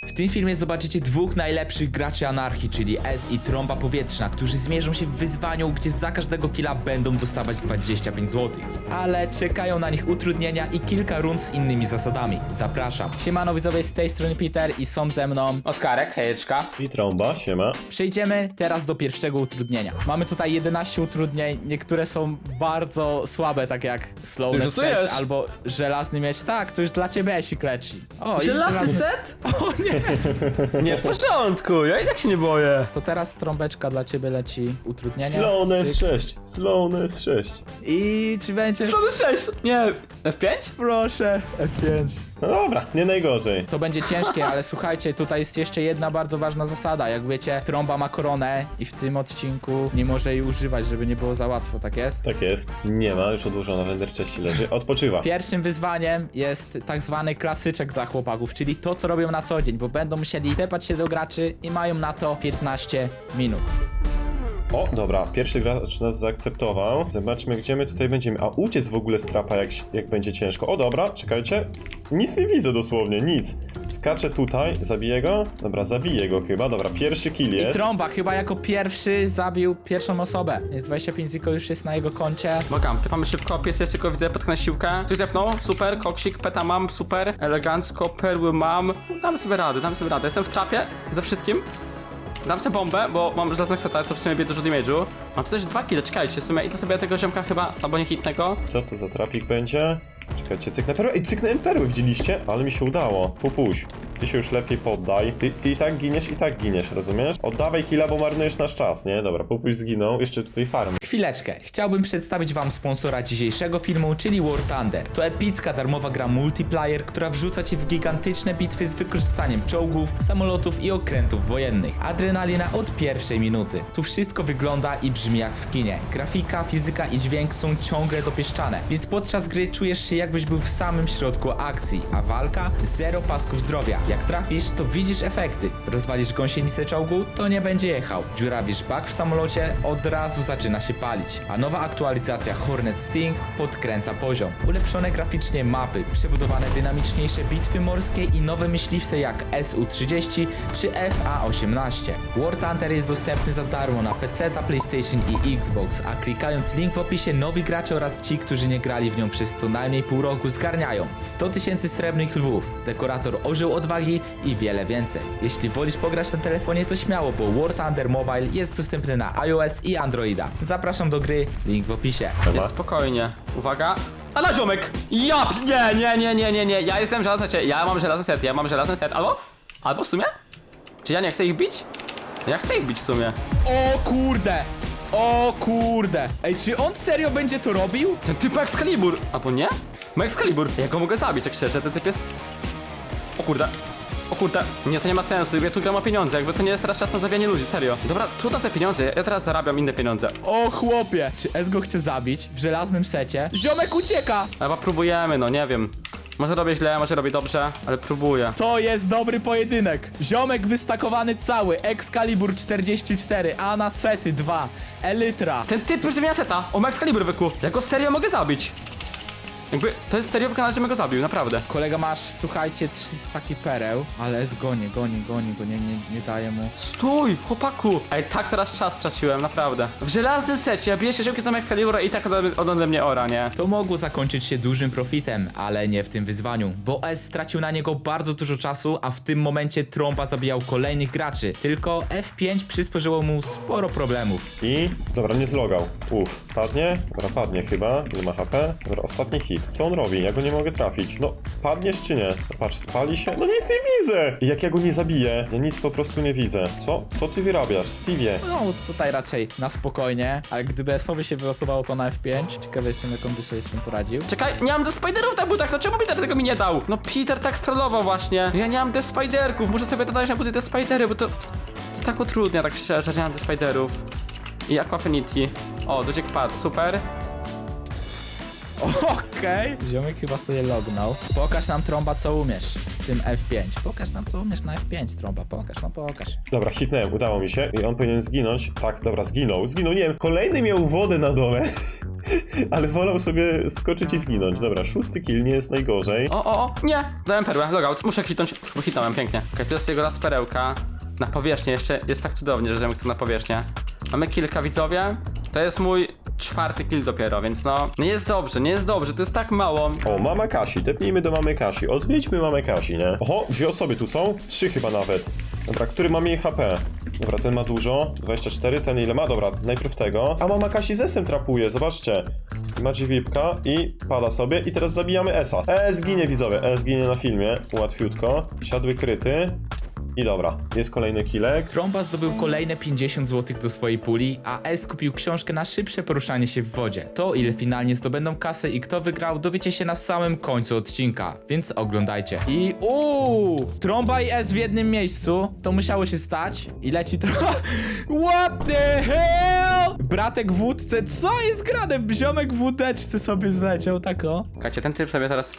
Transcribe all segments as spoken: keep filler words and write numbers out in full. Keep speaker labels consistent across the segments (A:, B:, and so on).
A: W tym filmie zobaczycie dwóch najlepszych graczy anarchii, czyli S i Trąba Powietrzna, którzy zmierzą się w wyzwaniu, gdzie za każdego killa będą dostawać dwadzieścia pięć złotych. Ale czekają na nich utrudnienia i kilka rund z innymi zasadami. Zapraszam. Siemano widzowie, z tej strony Peter i są ze mną
B: Oskarek, hejeczka.
C: I Trąba, siema.
A: Przejdziemy teraz do pierwszego utrudnienia. Mamy tutaj jedenaście utrudnień, niektóre są bardzo słabe, takie jak Slowness
B: Już
A: sześć albo Żelazny Miecz. Tak, to już dla ciebie się kleci. O, i
B: Żelazny set?
A: O nie!
B: Nie, w porządku, ja i tak się nie boję.
A: To teraz trąbeczka dla ciebie leci utrudnienia.
C: Slowness
A: Cyk.
C: sześć, Slowness sześć.
A: I czy będzie...
B: Co to sześć? Nie, F pięć?
A: Proszę, F pięć.
C: No dobra, nie najgorzej.
A: To będzie ciężkie, ale słuchajcie, tutaj jest jeszcze jedna bardzo ważna zasada. Jak wiecie, Trąba ma koronę i w tym odcinku nie może jej używać, żeby nie było za łatwo, tak jest?
C: Tak jest, nie ma, już odłożona w endercześci leży, odpoczywa.
A: Pierwszym wyzwaniem jest tak zwany klasyczek dla chłopaków, czyli to, co robią na co dzień, bo będą musieli tepać się do graczy i mają na to piętnaście minut.
C: O, dobra, pierwszy gracz nas zaakceptował. Zobaczmy, gdzie my tutaj będziemy. A uciec w ogóle z trapa, jak, jak będzie ciężko. O, dobra, czekajcie. Nic nie widzę dosłownie, nic. Skaczę tutaj, zabiję go. Dobra, zabiję go chyba. Dobra, pierwszy kill
A: I
C: jest.
A: Trąba chyba jako pierwszy zabił pierwszą osobę. Jest dwadzieścia pięć ziko, już jest na jego koncie.
B: Bogam, ty mamy szybko, pies jeszcze tylko widzę, potknę siłkę. Coś zepnął, super, koksik, peta mam, super, elegancko, perły mam. Dam sobie radę, dam sobie radę. Jestem w trapie, ze wszystkim. Dam sobie bombę, bo mam żelaznego seta, to w sumie bije dużo damage'u. Mam tu też dwa kile, czekajcie, w sumie i to sobie tego ziomka chyba, albo nie hitnego.
C: Co to za trapik będzie? Czekajcie, cyknę perły. Ej, cyknąłem perły, widzieliście? Ale mi się udało. Pupuś. Ty się już lepiej poddaj. Ty, ty i tak giniesz, i tak giniesz, rozumiesz? Oddawaj killa, bo marnujesz nasz czas, nie? Dobra, Pupuś zginął. Jeszcze tutaj farm.
A: Chwileczkę, chciałbym przedstawić wam sponsora dzisiejszego filmu, czyli War Thunder. To epicka darmowa gra multiplayer, która wrzuca cię w gigantyczne bitwy z wykorzystaniem czołgów, samolotów i okrętów wojennych. Adrenalina od pierwszej minuty. Tu wszystko wygląda i brzmi jak w kinie. Grafika, fizyka i dźwięk są ciągle dopieszczane, więc podczas gry czujesz się jakbyś był w samym środku akcji, a walka zero pasków zdrowia. Jak trafisz, to widzisz efekty. Rozwalisz gąsienicę czołgu, to nie będzie jechał. Dziurawisz bak w samolocie, od razu zaczyna się palić. A nowa aktualizacja Hornet Sting podkręca poziom. Ulepszone graficznie mapy, przebudowane dynamiczniejsze bitwy morskie i nowe myśliwce jak S U trzydzieści czy F A osiemnaście. War Thunder jest dostępny za darmo na P C, PlayStation i Xbox, a klikając link w opisie nowi gracze oraz ci, którzy nie grali w nią przez co najmniej pół roku zgarniają sto tysięcy srebrnych lwów, dekorator orzeł odwagi i wiele więcej. Jeśli wolisz pograć na telefonie, to śmiało, bo War Thunder Mobile jest dostępny na iOS i Androida. Zapraszam do gry, link w opisie.
B: Jest spokojnie, uwaga. A na ziomek! Ja! Nie, nie, nie, nie, nie, nie, ja jestem żelazny set, ja mam żelazny set, ja mam żelazny set, albo? Albo w sumie? Czy ja nie chcę ich bić? Ja chcę ich bić w sumie.
A: O kurde! O kurde! Ej, czy on serio będzie to robił?
B: Ten typ Excalibur! Albo nie? Ma Excalibur. Ja go mogę zabić, tak szczerze, ten typ jest... O kurde. O kurde. Nie, to nie ma sensu, ja tu gram o pieniądze, jakby to nie jest teraz czas na zawijanie ludzi, serio. Dobra, tu na te pieniądze, ja teraz zarabiam inne pieniądze.
A: O chłopie! Czy S go chce zabić w żelaznym secie? Ziomek ucieka!
B: Chyba próbujemy, no nie wiem. Może robię źle, może robię dobrze, ale próbuję.
A: To jest dobry pojedynek. Ziomek wystakowany cały, Excalibur czterdzieści cztery, Ana sety dwa, Elytra.
B: Ten typ już zmienia seta, on ma Excalibur wyku. Ja go serio mogę zabić. Jakby, to jest serio wykonane, żebym go zabił, naprawdę.
A: Kolega masz, słuchajcie, trzysta pereł, ale S goni, goni, goni go, nie, nie, nie daje mu.
B: Stój, chłopaku! Ej, tak teraz czas straciłem, naprawdę. W żelaznym secie, ja biję się żyłki z Excalibura i tak ode, ode mnie ora, nie?
A: To mogło zakończyć się dużym profitem, ale nie w tym wyzwaniu, bo S stracił na niego bardzo dużo czasu, a w tym momencie Trąba zabijał kolejnych graczy. Tylko F pięć przysporzyło mu sporo problemów.
C: I... Dobra, nie zlogał. Uff, padnie? Dobra, padnie chyba. Ile ma H P? Dobra, ostatni hit. Co on robi? Ja go nie mogę trafić. No, padniesz czy nie? No, patrz, spali się? No nic nie widzę! I jak ja go nie zabiję? Ja nic po prostu nie widzę. Co? Co ty wyrabiasz? Stevie?
A: No tutaj raczej na spokojnie, ale gdyby S-owi się wylosowało to na F pięć, ciekawy jestem, jak on by sobie z tym poradził.
B: Czekaj, nie mam Death Spiderów na butach, no czemu Peter tego mi nie dał? No Peter tak strollował właśnie. Ja nie mam Death Spiderków, muszę sobie dodać na buty Death Spidery, bo to... To tak utrudnia, tak szczerze, nie mam Death Spiderów. I Aquafinity. O, Dudziek padł, super.
A: Okej, Okej. Ziomek chyba sobie lognął. Pokaż nam, Trąba, co umiesz z tym F pięć. Pokaż nam, co umiesz na F pięć, Trąba. Pokaż, no pokaż.
C: Dobra, hitnąłem, udało mi się i on powinien zginąć. Tak, dobra, zginął, zginął, nie wiem, kolejny miał wodę na dole, ale wolał sobie skoczyć i zginąć. Dobra, szósty kill, nie jest najgorzej.
B: O, o, o, nie! Dałem perłę, logout. Muszę hitnąć, bo hitnąłem, pięknie. Okej, okay, to jest jego raz perełka. Na powierzchnię, jeszcze jest tak cudownie, że ziomek chce na powierzchnię. Mamy kilka, widzowie. To jest mój czwarty kill dopiero, więc no... Nie jest dobrze, nie jest dobrze, to jest tak mało.
C: O, mama Kasi, tepnijmy do mamy Kasi. Odwiedźmy mamę Kasi, nie? Oho, dwie osoby tu są? Trzy chyba nawet. Dobra, który ma mniej H P? Dobra, ten ma dużo. dwadzieścia cztery, ten ile ma? Dobra, najpierw tego. A mama Kasi z esem trapuje, zobaczcie. Ma drzwiwka i pada sobie. I teraz zabijamy Esa. E, zginie, widzowie. E, zginie na filmie. Łatwiutko. Siadły kryty. I dobra, jest kolejny killek.
A: Trąba zdobył kolejne pięćdziesiąt złotych do swojej puli, a S kupił książkę na szybsze poruszanie się w wodzie. To, ile finalnie zdobędą kasę i kto wygrał, dowiecie się na samym końcu odcinka, więc oglądajcie. I uuu, Trąba i S w jednym miejscu, to musiało się stać. I leci Trąba. What the hell? Bratek w łódce, co jest grane? Ziomek w łódeczce sobie zleciał, tak o.
B: Słuchajcie, ten typ sobie teraz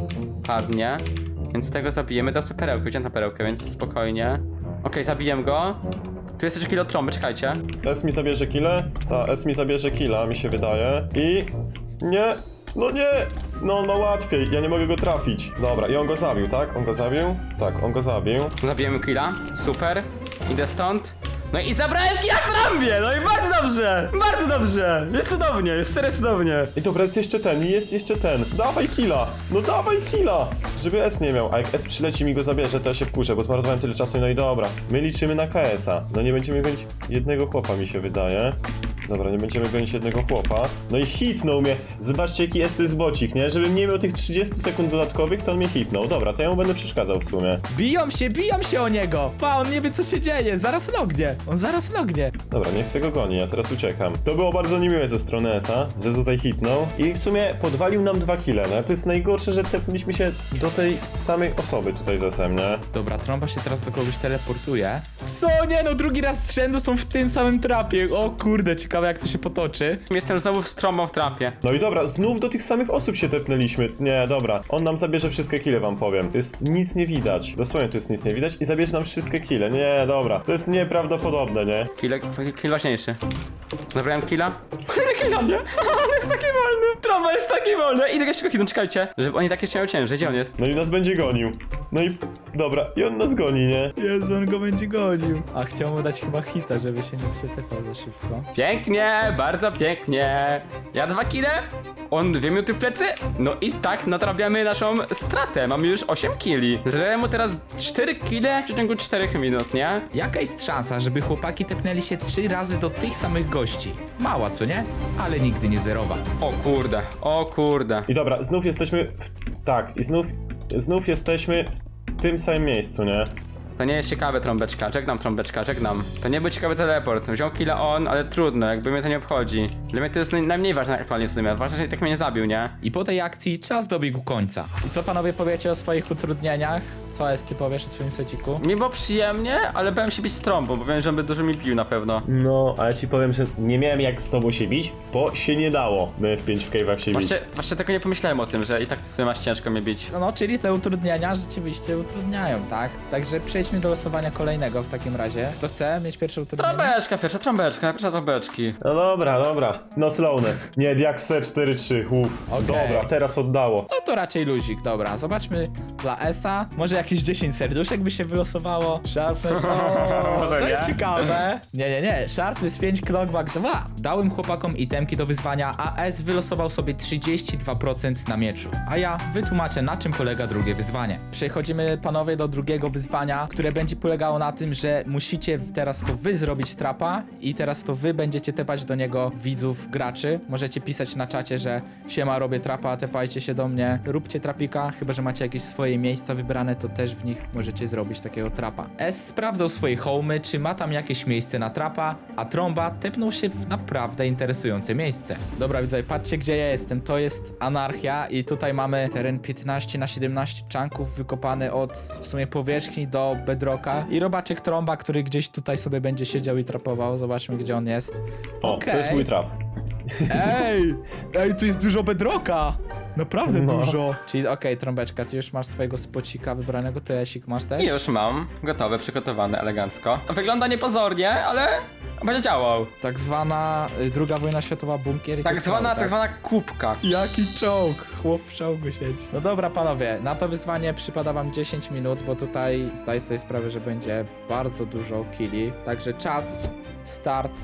B: padnie, więc tego zabijemy. Dał sobie perełkę, wziąłem na perełkę, więc spokojnie. Okej, okay, zabiję go. Tu jest jeszcze kill od trąby, czekajcie.
C: S mi zabierze killę? Ta, S mi zabierze killa, mi się wydaje. I... Nie! No nie! No on ma łatwiej, ja nie mogę go trafić. Dobra, i on go zabił, tak? On go zabił? Tak, on go zabił.
B: Zabijemy killa, super. Idę stąd. No i zabrałem killa trąbie! No i bardzo dobrze! Bardzo dobrze! Jest cudownie, jest serio cudownie.
C: I dobra, jest jeszcze ten, i jest jeszcze ten. Dawaj killa! No dawaj killa! Żeby S nie miał, a jak S przyleci mi go zabierze, to ja się wkurzę, bo zmarnowałem tyle czasu, no i dobra. My liczymy na K S a. No nie będziemy gonić jednego chłopa, mi się wydaje. Dobra, nie będziemy gonić jednego chłopa. No i hitnął mnie. Zobaczcie, jaki jest ten bocik, nie? Żebym nie miał tych trzydziestu sekund dodatkowych, to on mnie hitnął. Dobra, to ja mu będę przeszkadzał w sumie.
A: Biją się, biją się o niego! Pa, on nie wie, co się dzieje, zaraz lognie. On zaraz lognie.
C: Dobra, niech se go goni, ja teraz uciekam. To było bardzo niemiłe ze strony S a, że tutaj hitnął. I w sumie podwalił nam dwa kile, no. To jest najgorsze, że tepnęliśmy się do tej samej osoby tutaj z S em, nie?
A: Dobra, Trąba się teraz do kogoś teleportuje. Co? Nie no, drugi raz z rzędu są w tym samym trapie. O kurde, ciekawe jak to się potoczy.
B: Jestem znowu w trąbą w trapie.
C: No i dobra, znów do tych samych osób się tepnęliśmy. Nie, dobra, on nam zabierze wszystkie kile, wam powiem. To jest nic nie widać. Dosłownie tu jest nic nie widać i zabierze nam wszystkie kile. Nie, dobra, to jest nieprawdopodobne, nie?
B: Kill, kill ważniejszy. Zabrałem killa. Kolejny kill na mnie! On jest taki wolny! Trąba jest taki wolny! Idę go szybko hitnąć, czekajcie. Żeby oni takie trzymają ciężej, gdzie on jest?
C: No i nas będzie gonił. No i dobra, i on nas goni, nie?
A: Jezu, on go będzie gonił. A chciał mu dać chyba hita, żeby się nie przetepał za szybko.
B: Pięknie, bardzo pięknie. Ja dwa kile, on dwie minuty w plecy. No i tak nadrabiamy naszą stratę. Mamy już osiem killi. Zrobiłem mu teraz cztery kile w przeciągu czterech minut, nie?
A: Jaka jest szansa, żeby chłopaki tepnęli się trzy razy do tych samych gości? Mała, co nie? Ale nigdy nie zerowa.
B: O kurde, o kurde.
C: I dobra, znów jesteśmy w... Tak, i znów... Znów jesteśmy w tym samym miejscu, nie?
B: To nie jest ciekawe, trąbeczka. Żegnam, trąbeczka, żegnam. To nie był ciekawy teleport. Wziął killa on, ale trudno, jakby mnie to nie obchodzi. Dla mnie to jest naj- najmniej ważne aktualnie w sumie. Ważne, że i tak mnie nie zabił, nie?
A: I po tej akcji czas dobiegł końca. I co panowie powiecie o swoich utrudnieniach? Co jest ty powiesz o swoim seciku?
B: Mi było przyjemnie, ale bałem się bić z trąbą, bo wiem, że on by dużo mi bił na pewno.
C: No, ale ci powiem, że nie miałem jak z tobą się bić, bo się nie dało my w pięć w cave'ach się bić.
B: Właśnie, właśnie tego nie pomyślałem o tym, że i tak w sumie masz ciężko mnie bić.
A: No, no, czyli te utrudnienia rzeczywiście utrudniają, tak? Także przejdźmy do losowania kolejnego w takim razie. Kto chce mieć pierwsze utrudnienie?
B: Trąbeczka, pierwsza trąbeczka, pierwsza trąbeczki.
C: No dobra, dobra. No slowness. Nie, jak C cztery trzy, uff.
A: Okej.
C: Dobra, teraz oddało.
A: No to raczej luzik, dobra. Zobaczmy dla Esa. Może jakieś dziesięć serduszek by się wylosowało. Sharpness, o,
B: Może
A: to
B: nie?
A: jest ciekawe. Nie, nie, nie. Sharpness pięć, Knockback dwa. Dałem chłopakom itemki do wyzwania, a S wylosował sobie trzydzieści dwa procent na mieczu. A ja wytłumaczę, na czym polega drugie wyzwanie. Przechodzimy, panowie, do drugiego wyzwania, które będzie polegało na tym, że musicie teraz to wy zrobić trapa i teraz to wy będziecie tepać do niego widzów, graczy. Możecie pisać na czacie, że siema, robię trapa, tepajcie się do mnie, róbcie trapika, chyba że macie jakieś swoje miejsca wybrane, to też w nich możecie zrobić takiego trapa. S sprawdzał swoje homy, czy ma tam jakieś miejsce na trapa, a Trąba tepnął się w naprawdę interesujące miejsce. Dobra, widzowie, patrzcie, gdzie ja jestem. To jest anarchia i tutaj mamy teren piętnaście na siedemnaście czanków wykopany od w sumie powierzchni do bedrocka i robaczek Trąba, który gdzieś tutaj sobie będzie siedział i trapował. Zobaczmy, gdzie on jest.
C: O,
A: Okej.
C: to jest mój trap.
A: Ej! Ej, tu jest dużo bedrocka! Naprawdę
C: No.
A: dużo. Czyli okej, Trąbeczka, ty już masz swojego spocika wybranego, ty Esik masz też?
B: I już mam. Gotowe, przygotowane, elegancko. Wygląda niepozornie, ale będzie działał.
A: Tak zwana y, druga wojna światowa bunkier i
B: Tak
A: te
B: zwana,
A: skały,
B: tak zwana kubka.
A: Jaki czołg? Chłop w czołgu siedzi. No dobra, panowie, na to wyzwanie przypada wam dziesięć minut, bo tutaj zdaję sobie sprawę, że będzie bardzo dużo killi. Także czas, start.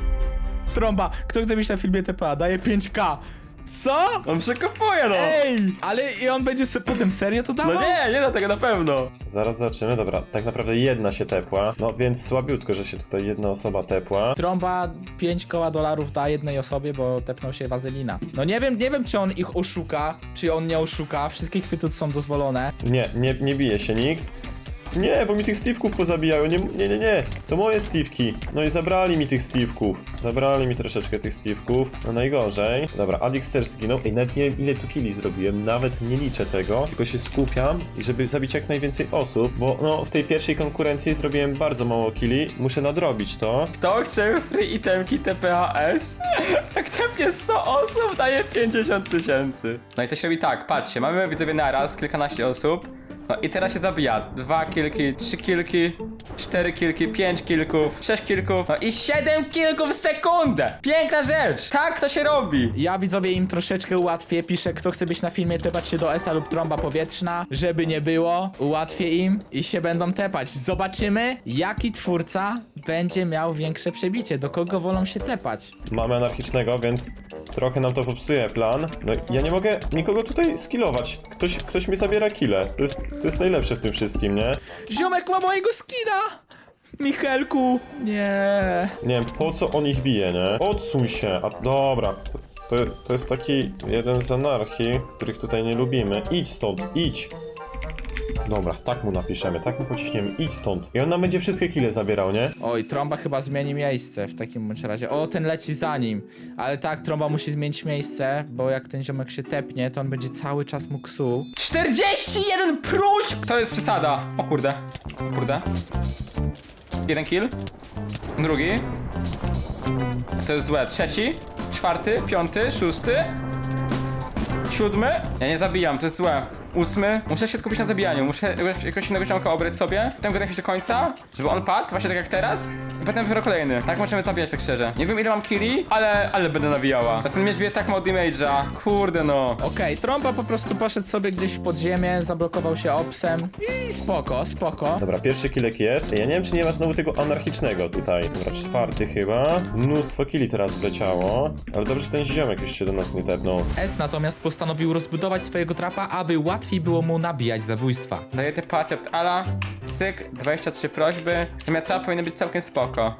A: Trąba, kto chce być na filmie T P A? Daje pięć K. Co?
B: On przekopuje, no!
A: Ej! Ale i on będzie se potem serio to dawał?
B: No nie, nie do tego na pewno.
C: Zaraz zobaczymy, dobra, tak naprawdę jedna się tepła, no więc słabiutko, że się tutaj jedna osoba tepła.
A: Trąba pięć koła dolarów da jednej osobie, bo tepnął się wazelina. No nie wiem, nie wiem czy on ich oszuka, czy on nie oszuka. Wszystkie chwyty są dozwolone.
C: Nie, nie, nie bije się nikt. Nie, bo mi tych Steve'ków pozabijają, nie, nie, nie, nie, to moje Steve'ki. No i zabrali mi tych Steve'ków. Zabrali mi troszeczkę tych Steve'ków, no najgorzej. Dobra, Adix też zginął. Ej, nawet nie wiem ile tu killi zrobiłem, nawet nie liczę tego. Tylko się skupiam, i żeby zabić jak najwięcej osób, bo no w tej pierwszej konkurencji zrobiłem bardzo mało killi. Muszę nadrobić to.
B: Kto chce free itemki T P H S? Jak tepnie sto osób, daje pięćdziesiąt tysięcy. No i to się robi tak, patrzcie, mamy widzowie naraz, kilkanaście osób. No i teraz się zabija. Dwa kilki, trzy kilki, cztery kilki, pięć kilków, sześć kilków, no i siedem kilków w sekundę! Piękna rzecz! Tak to się robi!
A: Ja widzowie im troszeczkę ułatwię. Piszę, kto chce być na filmie, tepać się do S-a lub trąba powietrzna. Żeby nie było, ułatwię im i się będą tepać. Zobaczymy, jaki twórca będzie miał większe przebicie. Do kogo wolą się tepać.
C: Mamy anarchicznego, więc trochę nam to popsuje plan. No ja nie mogę nikogo tutaj skillować. Ktoś, ktoś mi zabiera kile. To jest, to jest najlepsze w tym wszystkim, nie?
A: Ziomek ma mojego skina! Michelku! Nie.
C: Nie wiem, po co on ich bije, nie? Odsuń się, a dobra. To, to jest taki jeden z anarchii, których tutaj nie lubimy. Idź stąd, idź. Dobra, tak mu napiszemy, tak mu pociśniemy, idź stąd. I on nam będzie wszystkie kile zabierał, nie?
A: Oj, trąba chyba zmieni miejsce w takim bądź razie. O, ten leci za nim. Ale tak, trąba musi zmienić miejsce, bo jak ten ziomek się tepnie, to on będzie cały czas mu ksuł.
B: czterdzieści jeden próśb! To jest przesada. O kurde. Kurde. Jeden kill. Drugi. To jest złe. Trzeci. Czwarty. Piąty. Szósty. Siódmy. Ja nie zabijam, to jest złe. Ósmy. Muszę się skupić na zabijaniu. Muszę jakoś innego ziomka obrać sobie. Potem go jakoś do końca, żeby on padł, właśnie tak jak teraz. I potem dopiero kolejny. Tak możemy zabijać, tak szczerze. Nie wiem ile mam killi, ale, ale będę nawijała. A ten miecz bije tak mało damage'a. Kurde no.
A: Okej, trąba po prostu poszedł sobie gdzieś w podziemie, zablokował się opsem i spoko, spoko.
C: Dobra, pierwszy kilek jest. Ja nie wiem, czy nie ma znowu tego anarchicznego tutaj. Dobra, czwarty chyba. Mnóstwo killi teraz wleciało. Ale dobrze, że ten ziomek już się do nas nie tepnął.
A: S natomiast postanowił rozbudować swojego trapa, aby łatwiej było mu nabijać zabójstwa.
B: Daję typ accept ala. Cyk, dwadzieścia trzy prośby. Zamiast trap powinno być całkiem spoko.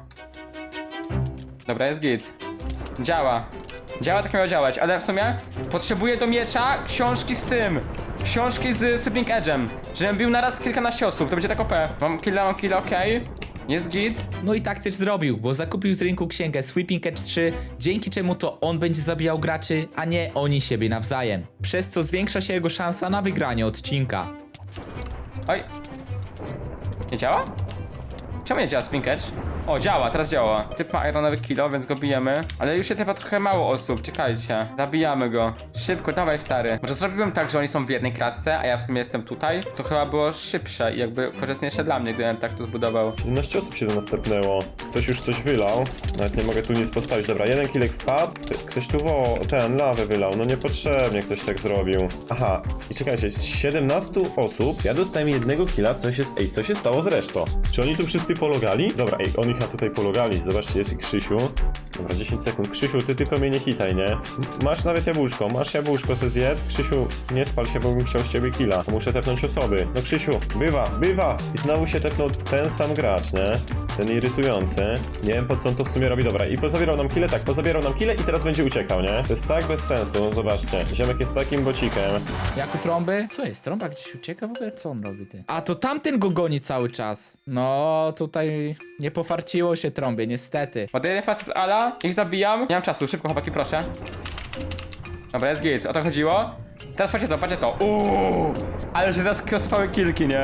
B: Dobra, jest git. Działa. Działa, tak miało działać, ale w sumie potrzebuję do miecza książki z tym. Książki z Sweeping Edge'em. Żebym bił naraz kilkanaście osób, to będzie tak O P. Mam killa, mam killa, okej. Jest git.
A: No i tak też zrobił, bo zakupił z rynku księgę Sweeping Edge trzy, dzięki czemu to on będzie zabijał graczy, a nie oni siebie nawzajem. Przez co zwiększa się jego szansa na wygranie odcinka.
B: Oj. Nie działa? Czemu nie działa Sweeping Edge? O, działa, teraz działa. Typ ma ironowy kilo, więc go bijemy. Ale już się typa trochę mało osób, czekajcie. Zabijamy go. Szybko, dawaj stary. Może zrobiłbym tak, że oni są w jednej klatce, a ja w sumie jestem tutaj. To chyba było szybsze i jakby korzystniejsze dla mnie, gdybym tak to zbudował.
C: siedemnaście osób się do nas tepnęło. Ktoś już coś wylał. Nawet nie mogę tu nic postawić. Dobra, jeden kilek wpadł. Ktoś tu wo... ten lawę wylał. No niepotrzebnie ktoś tak zrobił. Aha. I czekajcie, z siedemnastu osób ja dostałem jednego killa. Co się... Ej, co się stało z resztą? Czy oni tu wszyscy pologali? Dobra, ej, oni chyba tutaj pologali. Zobaczcie, jest i Krzysiu. Dobra, dziesięć sekund. Krzysiu, ty tylko mnie nie hitaj, nie? Masz nawet jabłuszko, masz jabłuszko, se zjedz. Krzysiu, nie spal się, bo bym chciał z ciebie killa. Muszę tepnąć osoby. No Krzysiu, bywa, bywa! I znowu się tepnął ten sam gracz, nie? Ten irytujący. Nie wiem po co on to w sumie robi. Dobra, i pozabierał nam kile, tak, pozabierał nam kile i teraz będzie uciekał, nie? To jest tak bez sensu, zobaczcie. Ziomek jest takim bocikiem.
A: Jak u trąby? Co jest? Trąba gdzieś ucieka w ogóle? Co on robi, ty? A to tamten go goni cały czas. No, tutaj nie pofarciło się trąbie, niestety.
B: Ładuję facet ala, ich zabijam. Nie mam czasu, szybko chłopaki, proszę. Dobra, jest git, o to chodziło. Teraz patrzcie to, patrzcie to. Uuu, ale się teraz krospały kilki, nie?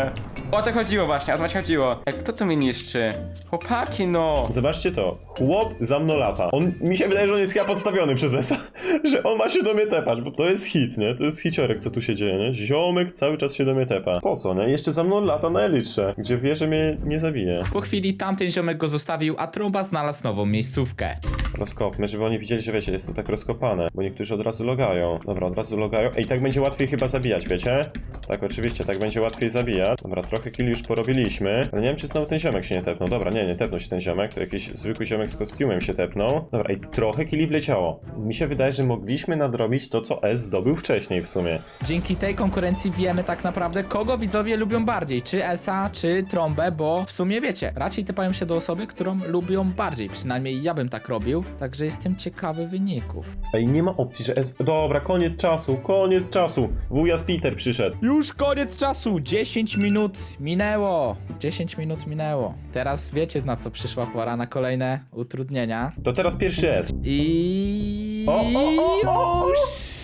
B: O to chodziło właśnie, o to właśnie chodziło. Jak kto to mnie niszczy? Chłopaki no.
C: Zobaczcie to. Chłop za mną lata. On, mi się wydaje, że on jest chyba podstawiony przez Esa, że on ma się do mnie tepać, bo to jest hit, nie? To jest hiciorek, co tu się dzieje, nie? Ziomek cały czas się do mnie tepa. Po co, nie? Jeszcze za mną lata na elitrze, gdzie wie, że mnie nie zabije.
A: Po chwili tamten ziomek go zostawił, a Trąba znalazł nową miejscówkę.
C: Rozkopmy, żeby oni widzieli, że wiecie, jest to tak rozkopane, bo niektórzy od razu logają. Dobra, od razu logają. Ej, tak będzie łatwiej chyba zabijać, wiecie? Tak, oczywiście, tak będzie łatwiej zabijać. Dobra, trochę killi już porobiliśmy, ale nie wiem, czy znowu ten ziomek się nie tepnął. Dobra, nie, nie tepnął się ten ziomek, to jakiś zwykły ziomek z kostiumem się tepnął. Dobra, ej, trochę killi wleciało. Mi się wydaje, że mogliśmy nadrobić to, co S zdobył wcześniej w sumie.
A: Dzięki tej konkurencji wiemy tak naprawdę, kogo widzowie lubią bardziej, czy Esa, czy Trąbę, bo w sumie wiecie, raczej typają się do osoby, którą lubią bardziej, przynajmniej ja bym tak robił, także jestem ciekawy wyników.
C: Ej, nie ma opcji, że S... Dobra, koniec czasu, koniec czasu. Wujas Peter przyszedł.
A: Już koniec czasu, dziesięć minut minęło, dziesięć minut minęło. Teraz wiecie, na co przyszła pora, na kolejne utrudnienia.
C: To teraz pierwszy S.
A: I
C: O, o, o, o, o.
A: już!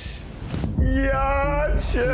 C: Ja cię...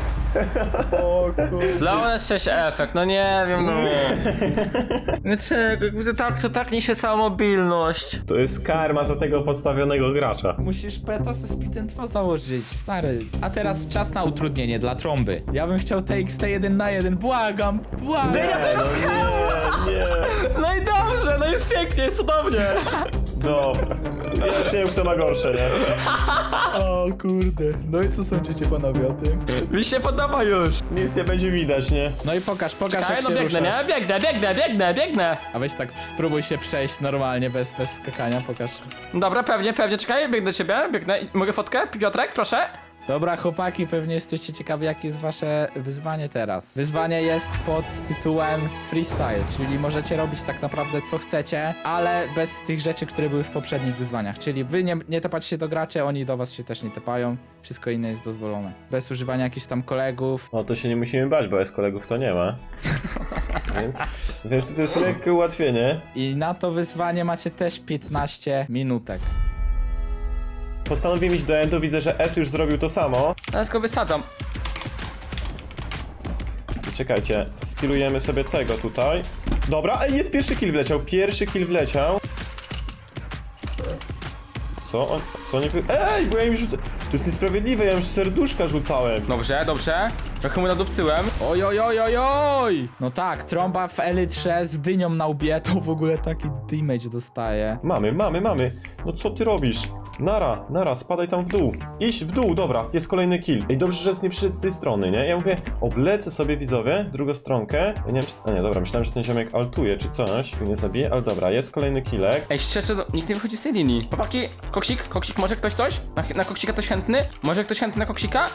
B: Slowness sześć efekt, no nie wiem, no. Dlaczego? Jakby tak, to tak niesie cała mobilność.
C: To jest karma za tego podstawionego gracza.
A: Musisz peta ze Speedem dwa założyć, stary. A teraz czas na utrudnienie dla Trąby. Ja bym chciał T X T jeden na jeden, błagam, błagam.
C: Nie, nie.
B: No i dobrze, no jest pięknie, jest cudownie.
C: Dobra. Ja już nie wiem, kto ma gorsze, nie?
A: O kurde, no i co sądzicie panowie o tym?
B: Mi się podoba już.
C: Nic nie będzie widać, nie?
A: No i pokaż, pokaż
B: Czekaj,
A: jak
B: no
A: się
B: biegnę,
A: ruszasz.
B: nie? Biegnę, biegnę, biegnę, biegnę.
A: A weź tak spróbuj się przejść normalnie, bez, bez skakania, pokaż.
B: Dobra, pewnie, pewnie, czekaj, biegnę do ciebie, biegnę. Mogę fotkę? Piotrek, proszę.
A: Dobra chłopaki, pewnie jesteście ciekawi jakie jest wasze wyzwanie teraz. Wyzwanie jest pod tytułem freestyle, czyli możecie robić tak naprawdę co chcecie, ale bez tych rzeczy, które były w poprzednich wyzwaniach. Czyli wy nie, nie tepacie się do graczy, oni do was się też nie tepają. Wszystko inne jest dozwolone. Bez używania jakichś tam kolegów.
C: No to się nie musimy bać, bo jest kolegów to nie ma. Więc, więc to jest lekkie ułatwienie.
A: I na to wyzwanie macie też piętnaście minutek.
C: Postanowiłem iść do endu, widzę, że S już zrobił to samo.
B: Teraz go wysadzam.
C: I czekajcie, skillujemy sobie tego tutaj. Dobra, ej, jest pierwszy kill wleciał, pierwszy kill wleciał. Co on, co oni wy... Ej, bo ja im rzucę... To jest niesprawiedliwe, ja im serduszka rzucałem.
B: Dobrze, dobrze. Trochę mu nadupcyłem.
A: Oj, oj, oj, oj, oj! No tak, Trąba w Elytrze z dynią na łbie to w ogóle taki damage dostaje.
C: Mamy, mamy, mamy. No co ty robisz? Nara, nara, spadaj tam w dół. Idź w dół, dobra, jest kolejny kill. Ej, dobrze, że jest nie przyszedł z tej strony, nie? Ja mówię, oblecę sobie, widzowie, drugą stronkę. Ja nie wiem, czy... A nie, dobra, myślałem, że ten ziomek altuje czy coś. Go nie zabije, ale dobra, jest kolejny killek.
B: Ej, szczerze, no, nikt nie wychodzi z tej linii. Chłopaki, koksik, koksik, może ktoś coś? Na, na koksika ktoś chętny? Może ktoś chętny na koksika?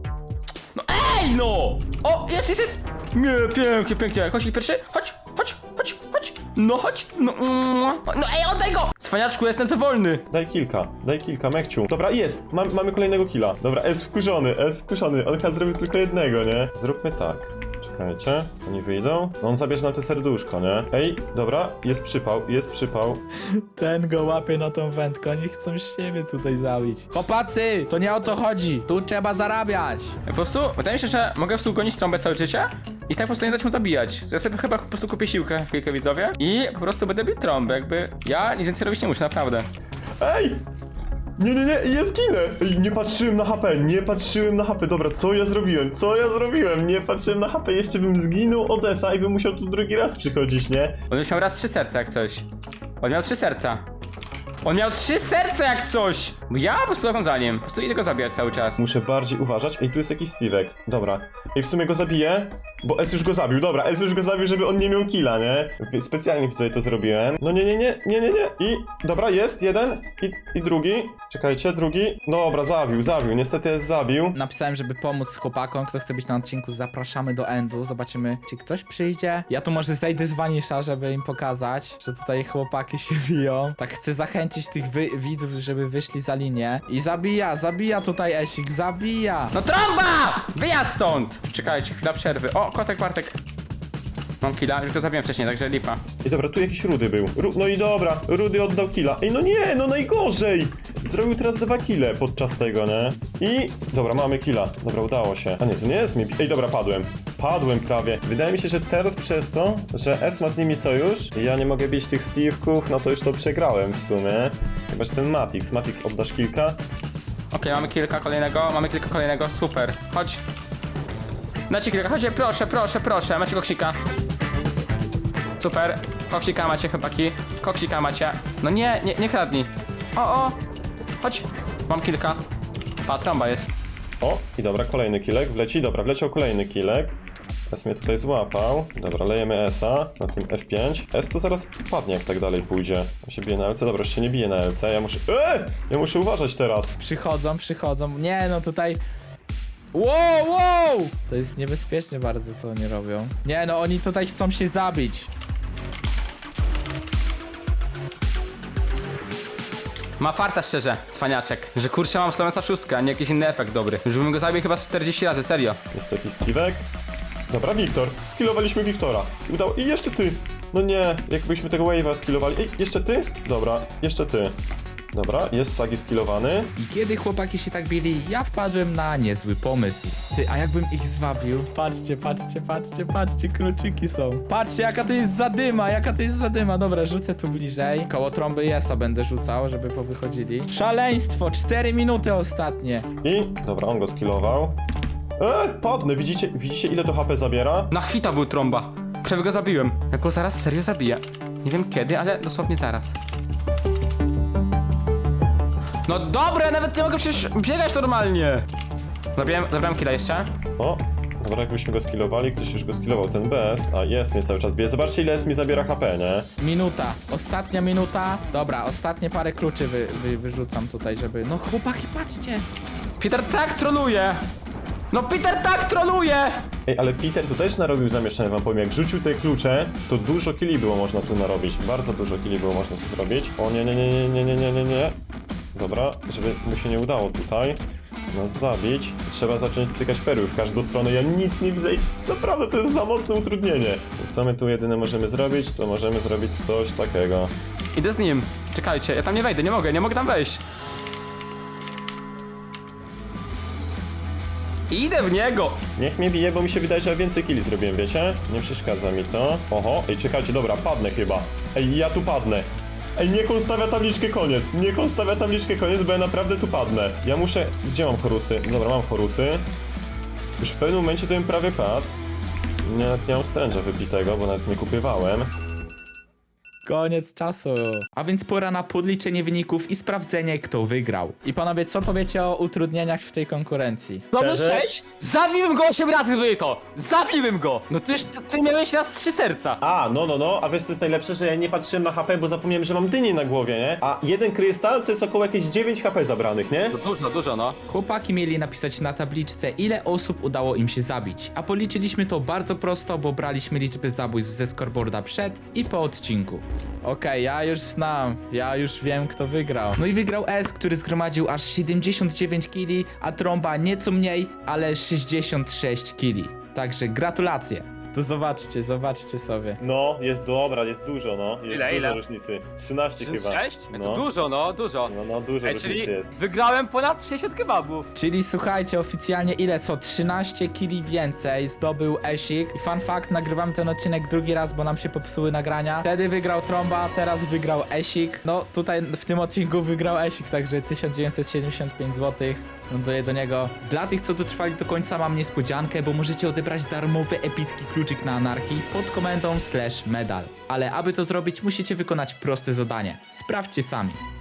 B: No ej, no! O, jest, jest, jest! Nie, pięknie, pięknie. Koksik pierwszy, chodź, chodź, chodź, chodź. No chodź, no, mm, no ej, oddaj go! Cwaniaczku, jestem za wolny.
C: Daj kilka, daj kilka, mekciu. Dobra, jest, Mam, mamy kolejnego killa. Dobra, S wkurzony, S wkurzony. On chyba zrobił tylko jednego, nie? Zróbmy tak. Czekajcie, oni wyjdą. No on zabierze nam to serduszko, nie? Ej, dobra, jest przypał, jest przypał.
A: Ten go łapie na tą wędkę, oni chcą siebie tutaj zabić. Chłopacy, to nie o to chodzi, tu trzeba zarabiać.
B: Po prostu, wydaje mi się, że mogę w gonić Trąbę całe życie i tak po prostu nie dać mu zabijać. Ja sobie chyba po prostu kupię siłkę, chwilkę widzowie i po prostu będę bił Trąbę, jakby ja nic więcej robić nie muszę, naprawdę.
C: Ej! Nie, nie, nie, ja zginę! Ej, nie patrzyłem na H P, nie patrzyłem na H P. Dobra, co ja zrobiłem? Co ja zrobiłem? Nie patrzyłem na H P, jeszcze bym zginął od Esa i bym musiał tu drugi raz przychodzić, nie?
B: On już miał raz trzy serca jak coś. On miał trzy serca. On miał trzy serca jak coś! Bo ja po prostu lecam za nim. Po prostu idę go zabijać cały czas.
C: Muszę bardziej uważać. Ej, tu jest jakiś Steve'ek. Dobra. Ej, w sumie go zabiję, bo S już go zabił. Dobra, S już go zabił, żeby on nie miał killa, nie? Specjalnie sobie to zrobiłem. No nie, nie, nie, nie, nie, nie. I, dobra, jest jeden i, i drugi. Czekajcie, drugi. Dobra, zabił, zabił. Niestety S zabił.
A: Napisałem, żeby pomóc chłopakom, kto chce być na odcinku, zapraszamy do endu, zobaczymy, czy ktoś przyjdzie. Ja tu może zejdę z Vanisha, żeby im pokazać, że tutaj chłopaki się biją. Tak chcę zachęcić tych wy widzów, żeby wyszli za linię. I zabija, zabija tutaj Esik, zabija!
B: No Trąba! Wyjazd stąd! Czekajcie, chwila przerwy. O, kotek Bartek. Mam killa, już go zabiłem wcześniej, także lipa.
C: I dobra, tu jakiś Rudy był. Ru no i dobra, Rudy oddał killa. Ej, no nie, no najgorzej! Zrobił teraz dwa kille podczas tego, nie? I... Dobra, mamy killa. Dobra, udało się. A nie, to nie jest mi... Ej, dobra, padłem. padłem prawie. Wydaje mi się, że teraz przez to, że S ma z nimi sojusz i ja nie mogę bić tych Steve'ków, no to już to przegrałem w sumie. Chyba, że ten Matix. Matix, oddasz kilka?
B: Okej, mamy kilka kolejnego, mamy kilka kolejnego, super. Chodź. Dajcie kilka, chodźcie, proszę, proszę, proszę, macie koksika. Super, koksika macie chłopaki, koksika macie. No nie, nie, nie kradnij. O, o, chodź. Mam kilka. Pa, trąba jest.
C: O, i dobra, kolejny kilek wleci. Dobra, wleciał kolejny kilek. S mnie tutaj złapał. Dobra, lejemy S-a na tym F pięć. S to zaraz padnie, jak tak dalej pójdzie. On się bije na L C. Dobra, już się nie bije na L C. Ja muszę... Eee! Ja muszę uważać teraz.
A: Przychodzą, przychodzą. Nie, no tutaj... Wow, wow! To jest niebezpieczne bardzo, co oni robią. Nie, no oni tutaj chcą się zabić.
B: Ma farta szczerze, cwaniaczek, że kurczę mam Slovensa szóstkę, a nie jakiś inny efekt dobry. Już bym go zabił chyba z czterdzieści razy, serio.
C: Jest taki Steve'ek. Dobra, Wiktor. Skillowaliśmy Wiktora. I udało... I jeszcze ty! No nie, jakbyśmy tego wave'a skillowali. Ej, jeszcze ty? Dobra, jeszcze ty. Dobra, jest Sagi skillowany.
A: I kiedy chłopaki się tak bili, ja wpadłem na niezły pomysł. Ty, a jakbym ich zwabił? Patrzcie, patrzcie, patrzcie, patrzcie, kluczyki są. Patrzcie, jaka to jest zadyma, jaka to jest zadyma. Dobra, rzucę tu bliżej. Koło trąby Jesa będę rzucał, żeby powychodzili. Szaleństwo, cztery minuty ostatnie.
C: I... Dobra, on go skillował. Eee, padnę, widzicie, widzicie ile to H P zabiera?
B: Na hita był trąba. Prawie go zabiłem. Ja go zaraz serio zabiję. Nie wiem kiedy, ale dosłownie zaraz. No dobra, ja nawet nie mogę przecież biegać normalnie. Zabiłem, zabiłem killa jeszcze.
C: O, dobra, jakbyśmy go skillowali, ktoś już go skillował, ten B S, a jest mnie cały czas bije. Zobaczcie ile S mi zabiera H P, nie?
A: Minuta, ostatnia minuta. Dobra, ostatnie parę kluczy wy, wy, wyrzucam tutaj, żeby... No chłopaki, patrzcie.
B: Peter tak troluje. No Peter tak troluje.
C: Ej, ale Peter tu też narobił zamieszanie, wam powiem, jak rzucił te klucze, to dużo killi było można tu narobić, bardzo dużo killi było można tu zrobić. O nie, nie, nie, nie, nie, nie, nie, nie, nie. Dobra, żeby mu się nie udało tutaj nas zabić, trzeba zacząć cykać perły w każdą stronę, ja nic nie widzę i naprawdę to jest za mocne utrudnienie. I co my tu jedyne możemy zrobić, to możemy zrobić coś takiego.
B: Idę z nim. Czekajcie, ja tam nie wejdę, nie mogę, nie mogę tam wejść. Idę w niego!
C: Niech mnie bije, bo mi się wydaje, że ja więcej killi zrobiłem, wiecie? Nie przeszkadza mi to. Oho, ej, czekajcie, dobra, padnę chyba. Ej, ja tu padnę. Ej, niech on stawia tabliczkę koniec. Niech on stawia tabliczkę koniec, bo ja naprawdę tu padnę. Ja muszę... Gdzie mam chorusy? Dobra, mam chorusy. Już w pewnym momencie to bym prawie padł. Nie, nie mam stręża wypitego, bo nawet nie kupywałem.
A: Koniec czasu. A więc pora na podliczenie wyników i sprawdzenie, kto wygrał. I panowie, co powiecie o utrudnieniach w tej konkurencji?
B: Mamy
C: Szczerze?
B: sześć? Zabiłem go osiem razy, gdyby to! Zabiłem go! No tyż ty, ty miałeś raz trzy serca.
C: A, no, no, no, a wiesz co jest najlepsze, że ja nie patrzyłem na H P, bo zapomniałem, że mam dynię na głowie, nie? A jeden krystal to jest około jakieś dziewięć H P zabranych, nie?
B: To dużo, dużo, no.
A: Chłopaki mieli napisać na tabliczce, ile osób udało im się zabić. A policzyliśmy to bardzo prosto, bo braliśmy liczby zabójstw ze scoreboarda przed i po odcinku. Okej, ja już znam, ja już wiem, kto wygrał. No i wygrał S, który zgromadził aż siedemdziesiąt dziewięć killi, a trąba nieco mniej, ale sześćdziesiąt sześć killi. Także gratulacje. To zobaczcie, zobaczcie sobie.
C: No, jest dobra, jest dużo, no. Jest
B: Ile,
C: dużo
B: ile?
C: różnicy. trzynaście chyba.
B: sześć?
C: No.
B: To dużo, no, dużo.
C: No, no, dużo
B: Ej,
C: różnicy
B: czyli
C: jest.
B: wygrałem ponad sześćdziesiąt kebabów.
A: Czyli słuchajcie, oficjalnie ile co? trzynaście killi więcej zdobył Esik. I fun fact, nagrywamy ten odcinek drugi raz, bo nam się popsuły nagrania. Wtedy wygrał Trąba, teraz wygrał Esik. No tutaj w tym odcinku wygrał Esik, także tysiąc dziewięćset siedemdziesiąt pięć złotych. Ląduję do niego. Dla tych, co dotrwali do końca, mam niespodziankę, bo możecie odebrać darmowy epicki kluczyk na anarchii pod komendą slash medal. Ale aby to zrobić, musicie wykonać proste zadanie. Sprawdźcie sami.